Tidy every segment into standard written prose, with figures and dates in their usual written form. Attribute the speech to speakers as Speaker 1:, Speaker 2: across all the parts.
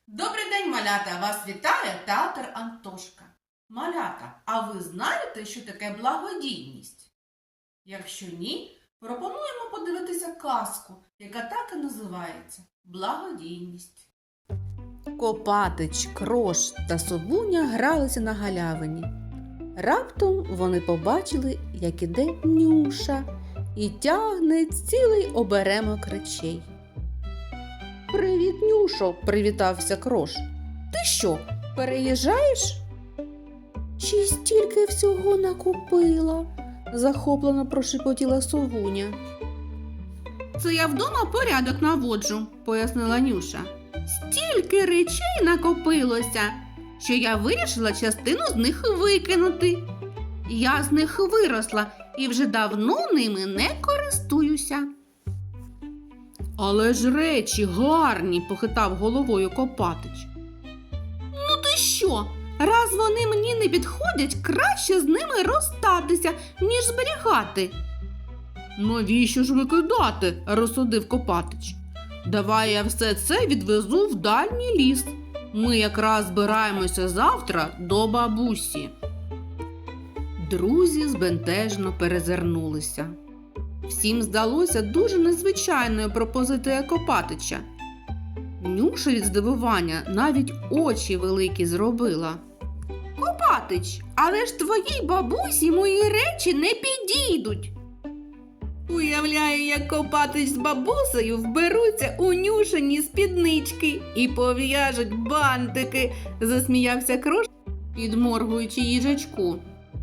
Speaker 1: Добрий день, малята! Вас вітає театр Антошка. Малята, а ви знаєте, що таке благодійність? Якщо ні, пропонуємо подивитися казку, яка так і називається «Благодійність».
Speaker 2: Копатич, Крош та Совуня гралися на галявині. Раптом вони побачили, як іде Нюша і тягне цілий оберемок речей. «Привіт, Нюшо!» – привітався Крош. «Ти що, переїжджаєш?» «Чи стільки всього накупила?» – захоплено прошепотіла Совуня. «Це я вдома порядок наводжу», – пояснила Нюша. «Стільки речей накопилося, що я вирішила частину з них викинути. Я з них виросла і вже давно ними не користуюся». «Але ж речі гарні», – похитав головою Копатич. «Ну ти що? Раз вони мені не підходять, краще з ними розстатися, ніж зберігати». «Навіщо ж викидати?» – розсудив Копатич. «Давай я все це відвезу в дальній ліс. Ми якраз збираємося завтра до бабусі». Друзі збентежно перезирнулися. Всім здалося дуже незвичайною пропозиція Копатича. Нюша від здивування навіть очі великі зробила. «Копатич, але ж твоїй бабусі мої речі не підійдуть!» Уявляю, як Копатич з бабусею вберуться у Нюшині спіднички і пов'яжуть бантики, засміявся Крош, підморгуючи їжачку.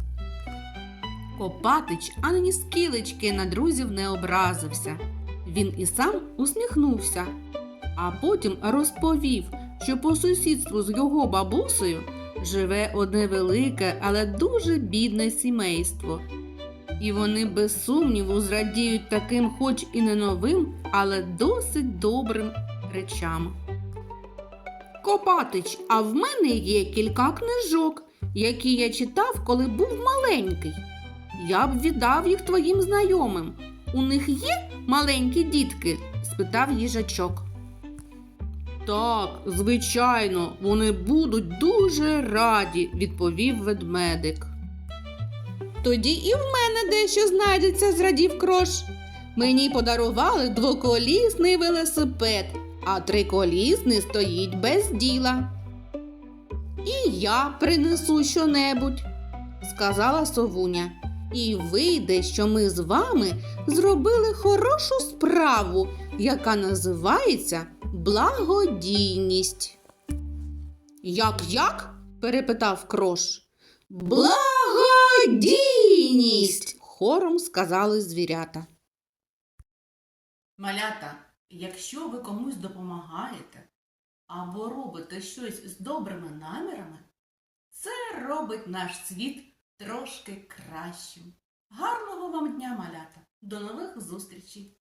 Speaker 2: Копатич ані скілечки на друзів не образився. Він і сам усміхнувся, а потім розповів, що по сусідству з його бабусею живе одне велике, але дуже бідне сімейство. І вони без сумніву зрадіють таким хоч і не новим, але досить добрим речам. «Копатич, а в мене є кілька книжок, які я читав, коли був маленький. Я б віддав їх твоїм знайомим. У них є маленькі дітки?» – спитав їжачок. «Так, звичайно, вони будуть дуже раді», – відповів ведмедик. «Тоді і в мене дещо знайдеться», – зрадів Крош. «Мені подарували двоколісний велосипед, а триколісний стоїть без діла». «І я принесу щонебудь», – сказала Совуня. «І вийде, що ми з вами зробили хорошу справу, яка називається благодійність». «Як?» – перепитав Крош. «Благодійність!» – хором сказали звірята.
Speaker 1: Малята, якщо ви комусь допомагаєте або робите щось з добрими намірами, це робить наш світ трошки кращим. Гарного вам дня, малята! До нових зустрічей!